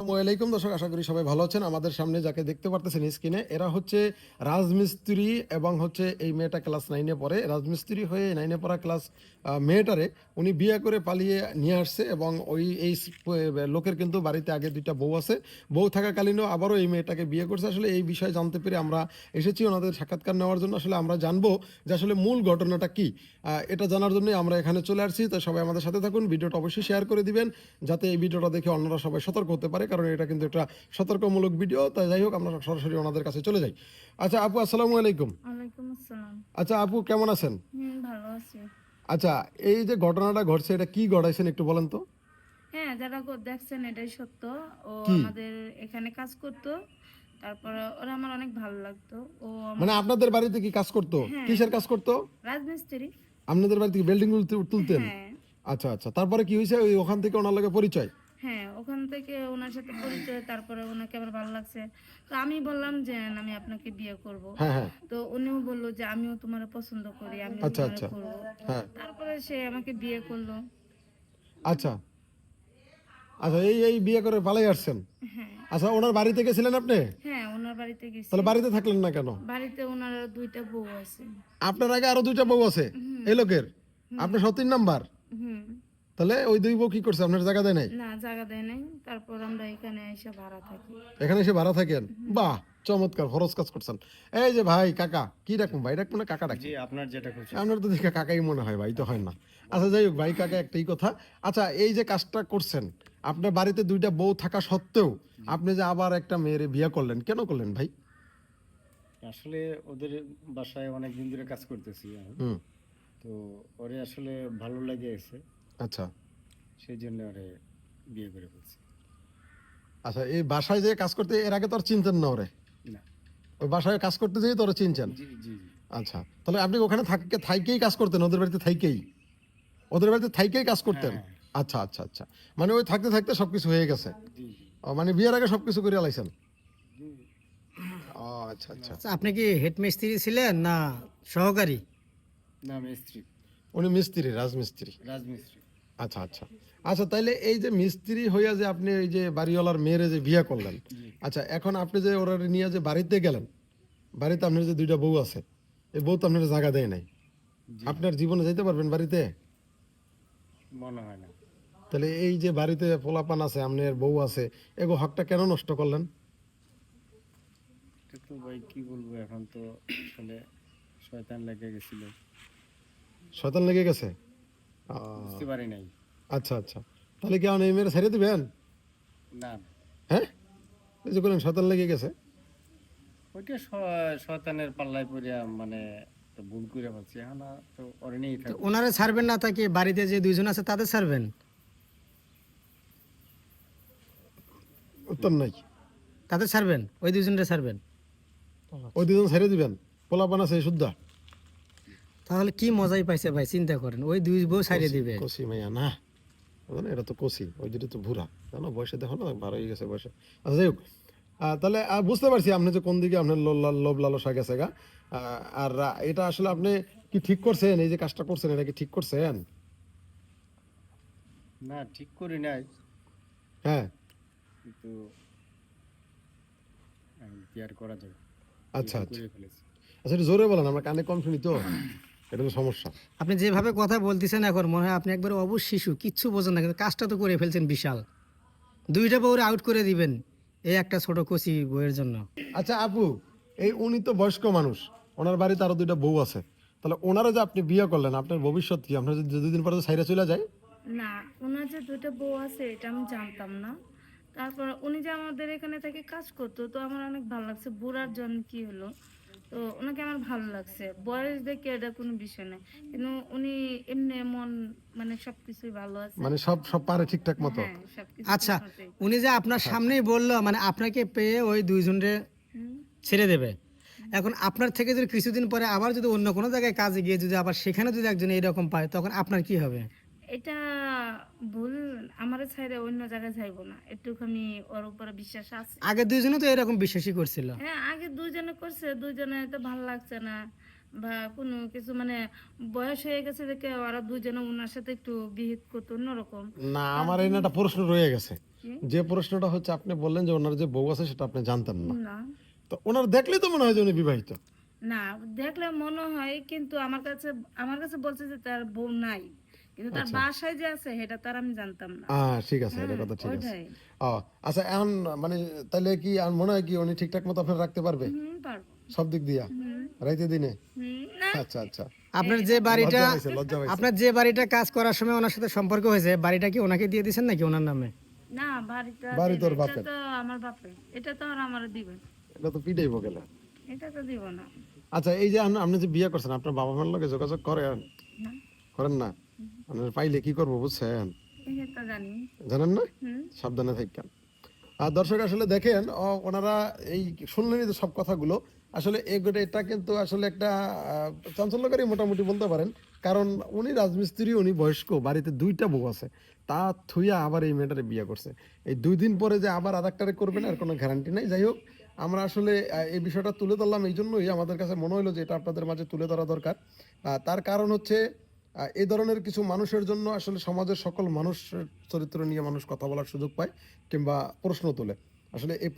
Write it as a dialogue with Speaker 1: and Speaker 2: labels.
Speaker 1: আসসালামাইকুম দর্শক, আশা করি সবাই ভালো আছেন। আমাদের সামনে যাকে দেখতে পারতেছেন স্ক্রিনে, এরা হচ্ছে রাজমিস্ত্রি এবং হচ্ছে এই মেয়েটা ক্লাস 9-এ পড়ে। রাজমিস্ত্রি হয়ে 9-এ পড়া ক্লাস মেয়েটারে উনি বিয়ে করে পালিয়ে নিয়ে আসছে এবং লোকের কিন্তু বাড়িতে আগে 2টা বউ আছে। বউ থাকাকালীনও আবারও এই মেয়েটাকে বিয়ে করছে। আসলে এই বিষয়ে জানতে পেরে আমরা এসেছি ওনাদের সাক্ষাৎকার নেওয়ার জন্য। আসলে আমরা জানবো যে আসলে মূল ঘটনাটা কি। এটা জানার জন্যই আমরা এখানে চলে আসছি। তো সবাই আমাদের সাথে থাকুন, ভিডিওটা অবশ্যই শেয়ার করে দিবেন যাতে এই ভিডিওটা দেখে অন্যরা সবাই সতর্ক হতে পারে, কারণ এটা কিন্তু একটা সতর্কমূলক ভিডিও। তাই যাই হোক, আমরা সরাসরি ওনাদের কাছে চলে যাই। আচ্ছা আপু, আসসালামু আলাইকুম।
Speaker 2: ওয়ালাইকুম আসসালাম।
Speaker 1: আচ্ছা আপু, কেমন আছেন?
Speaker 2: ভালো আছি।
Speaker 1: আচ্ছা, এই যে ঘটনাটা ঘটছে, এটা কি ঘটাইছেন একটু বলেন তো।
Speaker 2: হ্যাঁ, যারা দেখছেন এটাই সত্য। ও
Speaker 1: কি
Speaker 2: আমাদের এখানে কাজ করতো। তারপরে ওরা আমার অনেক ভালো লাগতো। ও
Speaker 1: মানে আপনাদের বাড়িতে কি কাজ করতো?
Speaker 2: হ্যাঁ,
Speaker 1: কিসের কাজ করতো?
Speaker 2: রাজমিস্ত্রি।
Speaker 1: আপনাদের বাড়ি থেকে বিল্ডিং তুলতেন?
Speaker 2: হ্যাঁ,
Speaker 1: আচ্ছা আচ্ছা, তারপরে কি হয়েছে? ওখান থেকে ওনার লগে পরিচয়?
Speaker 2: হ্যাঁ, ওখান থেকে ওনার সাথে পরিচয়। তারপরে ওনাকে আমার ভালো লাগছে। তো আমি বললাম যে আমি আপনাকে বিয়ে করব।
Speaker 1: হ্যাঁ হ্যাঁ।
Speaker 2: তো উনিও বললো যে আমিও তোমার পছন্দ করি, আমিও
Speaker 1: আচ্ছা
Speaker 2: তোমার
Speaker 1: আচ্ছা।
Speaker 2: করবো।
Speaker 1: হ্যাঁ।
Speaker 2: তারপরে সে আমাকে বিয়ে করলো।
Speaker 1: আচ্ছা আচ্ছা, এই এই বিয়ে করে পালাই আসছেন?
Speaker 2: হ্যাঁ,
Speaker 1: আচ্ছা, ওনার বাড়িতে গেছিলেন আপনি?
Speaker 2: হ্যাঁ, ওনার বাড়িতে গেছি।
Speaker 1: তাহলে বাড়িতে থাকলেন না কেন?
Speaker 2: বাড়িতে ওনার 2টা বউ আছে।
Speaker 1: আপনার আগে আরো 2টা বউ আছে এই লোকের? আপনি 3 নাম্বার?
Speaker 2: হুম।
Speaker 1: তাহলে ওই 2 বউ কি করছে? আপনার জায়গা দেয় নাই?
Speaker 2: না, জায়গা দেয় নাই। তারপর আমরা এখানে এসে ভাড়া থাকি।
Speaker 1: এখানে এসে ভাড়া থাকেন? বাহ, চমৎকার, খরচ কাজ করছেন। এই যে ভাই, কাকা কি ডাকুন? ভাই ডাকুন না কাকা ডাকুন?
Speaker 3: জি, আপনার যেটা খুশি।
Speaker 1: আপনার তো দেখে কাকাই মনে হয়, ভাই তো হয় না। আচ্ছা যাই হোক, ভাই কাকা একটাই কথা। আচ্ছা, এই যে কাজটা করছেন, আপনার বাড়িতে 2টা বউ থাকা সত্ত্বেও আপনি যে আবার একটা মেয়েরে বিয়ে করলেন, কেন করলেন ভাই?
Speaker 3: আসলে ওদের বাসায় অনেক দিন ধরে কাজ করতেছি আমি।
Speaker 1: হুম।
Speaker 3: তো ওরে আসলে ভালো লাগে গেছে,
Speaker 1: আচ্ছা
Speaker 3: সেই জন্য ওরে বিয়ে করে ফেলছি।
Speaker 1: আচ্ছা, এই বাসায় যে কাজ করতে এর আগে তো আর চিনতেন না ওরে?
Speaker 3: না।
Speaker 1: ওই বাসায় কাজ করতে যেয়ে তোরা চিনছেন?
Speaker 3: জি জি জি।
Speaker 1: আচ্ছা, তাহলে আপনি ওখানে থাইকেই কাজ করতেন? ওদের বাড়িতে থাইকেই? ওদের বাড়িতে থাইকেই কাজ করতেন?
Speaker 3: হ্যাঁ।
Speaker 1: আচ্ছা আচ্ছা আচ্ছা, মানে ওই থাকতে থাকতে সবকিছু হয়ে গেছে।
Speaker 3: জি জি
Speaker 1: মানে বিয়ের আগে সবকিছু করে আলাইছেন?
Speaker 3: জি।
Speaker 1: ও আচ্ছা আচ্ছা।
Speaker 4: আচ্ছা, আপনি কি হেড মিস্ত্রি ছিলেন না সহকারী?
Speaker 3: না, মিস্ত্রি,
Speaker 1: উনি মিস্ত্রি, রাজমিস্ত্রি?
Speaker 3: রাজমিস্ত্রি।
Speaker 1: আচ্ছা আচ্ছা আচ্ছা, তাইলে এই যে মিস্ত্রি হইয়া যে আপনি এই যে বাড়িওয়ালার মেয়েরে যে বিয়ে করলেন,
Speaker 3: জি
Speaker 1: আচ্ছা এখন আপনি যে ওরা নিয়ে যে বাড়িতে গেলেন, বাড়িতে আপনার যে 2টা বউ আছে, এই বউ তো আপনার জায়গা দেয় নাই।
Speaker 3: জি।
Speaker 1: আপনার জীবনে যাইতে পারবেন বাড়িতে?
Speaker 3: মনে হয় না।
Speaker 1: তাহলে এই যে বাড়িতে পোলাপান আছে, আপনার বউ আছে, এগো হকটা কেন নষ্ট করলেন?
Speaker 3: এটা তো ভাই কি বলবো, এখন তো আসলে শয়তান লেগে গেছিল,
Speaker 1: শয়তান লেগে গেছে?
Speaker 3: বুঝতে পারি নাই।
Speaker 1: আচ্ছা আচ্ছা, তাহলে কি আপনি এই মেয়েরে ছেড়ে দিবেন?
Speaker 3: না,
Speaker 1: হ্যাঁ, এই যে বললেন শয়তান লেগে গেছে।
Speaker 3: ওইটা শয়তানের পাল্লায় পড়িয়া মানে একটা ভুল করে ফেলছি, এখন আর তো ওরে নিয়েই
Speaker 4: তো
Speaker 3: থাকবো।
Speaker 4: ওনারে ছাড়বেন না, তাকে বাড়িতে যে 2জন আছে তাদের ছাড়বেন?
Speaker 1: উত্তর নাই?
Speaker 4: তাদের ছাড়বেন, ওই 2জনের ছাড়বেন?
Speaker 1: ওই 2জন ছেড়ে দিবেন? পোলাপান আছে শুদ্ধা?
Speaker 4: তাহলে কি মজাই পাইছে ভাই, চিন্তা করেন, ওই 2 বউ ছাড়িয়ে দিবে।
Speaker 1: কষি মাইয়া না, বুঝলেন? এটা তো কষি, ওই দুটো তো ভুরা, জানো বয়সে দেখো না, 12 হয়ে গেছে বয়সে। আচ্ছা যাই হোক, তাহলে বুঝতে পারছি আপনি যে কোন দিকে আপনার লোভ লালসা গেছে গা। আর এটা আসলে আপনি কি ঠিক করছেন? এই যে কাজটা করছেন, এটা কি ঠিক করছেন?
Speaker 3: না, ঠিক করি নাই,
Speaker 1: হ্যাঁ।
Speaker 3: কিন্তু কি আর করা যাবে,
Speaker 1: আচ্ছা
Speaker 3: যেহেতু
Speaker 1: আচ্ছা
Speaker 3: করে ফেলেছি।
Speaker 1: আচ্ছা, একটু জোরে বলেন, আমরা কানে কম শুনি তো, এটা তো সমস্যা।
Speaker 4: আপনি যেভাবে কথা বলতেছেন এখন মনে হয় আপনি একবার অবুঝ শিশু, কিচ্ছু বোঝেন না, কিন্তু কাজটা তো করে ফেলছেন বিশাল। 2টা বউরে আউট করে দিবেন এই একটা ছোট কচি বউয়ের জন্য?
Speaker 1: আচ্ছা আপু, এই উনি তো বয়স্ক মানুষ, ওনার বাড়িতে আরো 2টা বউ আছে, তাহলে ওনারা যে আপনি বিয়ে করলেন, আপনার ভবিষ্যৎ কি? আপনার যদি 2 দিন পরে সাইরা চলে যায়?
Speaker 2: না, ওনার যে 2টা বউ আছে এটা আমি জানতাম না। তারপর উনি যে আমাদের এখানে থেকে কাজ করতো, তো আমার অনেক ভালো লাগছে। বুড়ার জন্য কি হলো, তো ওনাকে আমার ভালো লাগছে। বয়স দেখে এটা কোনো বিষয় না, কিন্তু উনি এমনি মন মানে সবকিছুই ভালো আছে।
Speaker 1: মানে সব সব পারে ঠিকঠাক মতো?
Speaker 2: হ্যাঁ, সবকিছু
Speaker 4: আচ্ছা,
Speaker 2: ঠিক মতোই।
Speaker 4: উনি যে আপনার সামনেই বললো মানে আপনাকে পেয়ে ওই 2জনরে
Speaker 2: হুম।
Speaker 4: ছেড়ে দেবে, এখন আপনার থেকে যদি কিছুদিন পরে আবার যদি অন্য কোনো জায়গায় কাজে গিয়ে যদি আবার সেখানে যদি একজন এইরকম পায়, তখন আপনার কি হবে?
Speaker 2: এটা ভুল। আমার ছাইরে অন্য জায়গায় যাইবো না, একটুকু আমি ওর উপরে বিশ্বাস আছে।
Speaker 4: আগে 2জনও তো এরকম বিশ্বাসই করছিল।
Speaker 2: হ্যাঁ, আগে 2জনে করছে, 2জনে তো ভালো লাগছে না, বা কোনো কিছু মানে বয়স হয়ে গেছে দেখে ওরা দুজনে ওনার সাথে একটু বিহেভ করতো অন্যরকম।
Speaker 1: না, আমার এই একটা প্রশ্ন রয়ে গেছে।
Speaker 2: কি?
Speaker 1: যে প্রশ্নটা হচ্ছে, আপনি বললেন যে ওনার যে বউ আছে সেটা আপনি জানতেন না,
Speaker 2: না
Speaker 1: তো ওনার দেখলেই তো মনে হয় যে উনি বিবাহিত।
Speaker 2: না দেখলে মনে হয়, কিন্তু আমার কাছে বলছে যে তার বউ নাই, কিন্তু তার বাসায় যে আছে সেটা তার আমি জানতাম না।
Speaker 1: ঠিক আছে, এটা কথা ঠিক আছে।
Speaker 2: ওইটাই।
Speaker 1: ও আচ্ছা, এখন মানে তাহলে কি আর মনে হয় কি উনি ঠিকঠাক মতো আপনার রাখতে পারবে
Speaker 2: পারবো।
Speaker 1: সব দিক দিয়া, রাইতে দিনে?
Speaker 2: না
Speaker 1: আচ্ছা আচ্ছা,
Speaker 4: আপনার যে বাড়িটা
Speaker 1: লজ্জা পাইছে।
Speaker 4: আপনার যে বাড়িটা কাজ করার সময় ওনার সাথে সম্পর্ক হয়েছে, বাড়িটা কি ওনাকে দিয়ে দিয়েছেন নাকি ওনার নামে?
Speaker 2: না বাড়িটা
Speaker 1: বাড়ি
Speaker 2: দেবে,
Speaker 1: তোর
Speaker 2: এটা
Speaker 1: বাপের।
Speaker 2: তো আমার বাপের, এটা তো আর আমার দিবে,
Speaker 1: এটা তো পিটাই বকেলে।
Speaker 2: এটা তো দিব না।
Speaker 1: আচ্ছা, এই যে আপনি যে বিয়ে করছেন, আপনার বাবা মার লগে যোগাযোগ করেন?
Speaker 2: না
Speaker 1: করেন না? আপনার পাইলে কি করবো বুঝছেন?
Speaker 2: এটা তো জানি।
Speaker 1: জানেন না?
Speaker 2: হুম।
Speaker 1: সাবধানে থাকেন। আর দর্শক আসলে দেখেন, ওনারা এই শুনলেনই তো সব কথাগুলো। আসলে এটা কিন্তু আসলে একটা চাঞ্চল্যকারী মোটামুটি বলতে পারেন। কারণ উনি রাজমিস্ত্রি, উনি বয়স্ক, বাড়িতে 2টা বউ আছে, তা থুইয়া আবার এই মেয়েটারে বিয়ে করছে। এই 2 দিন পরে যে আবার আরেকটারে করবেন আর কোনো গ্যারান্টি নাই। যাই হোক, আমরা আসলে এই বিষয়টা তুলে ধরলাম এই জন্যই, আমাদের কাছে মনে হলো যে এটা আপনাদের মাঝে তুলে ধরা দরকার। তার কারণ হচ্ছে, এই ধরনের কিছু মানুষের জন্য আসলে সমাজের সকল মানুষের চরিত্র নিয়ে মানুষ কথা বলার সুযোগ পায় কিংবা প্রশ্ন তোলে। আসলে এই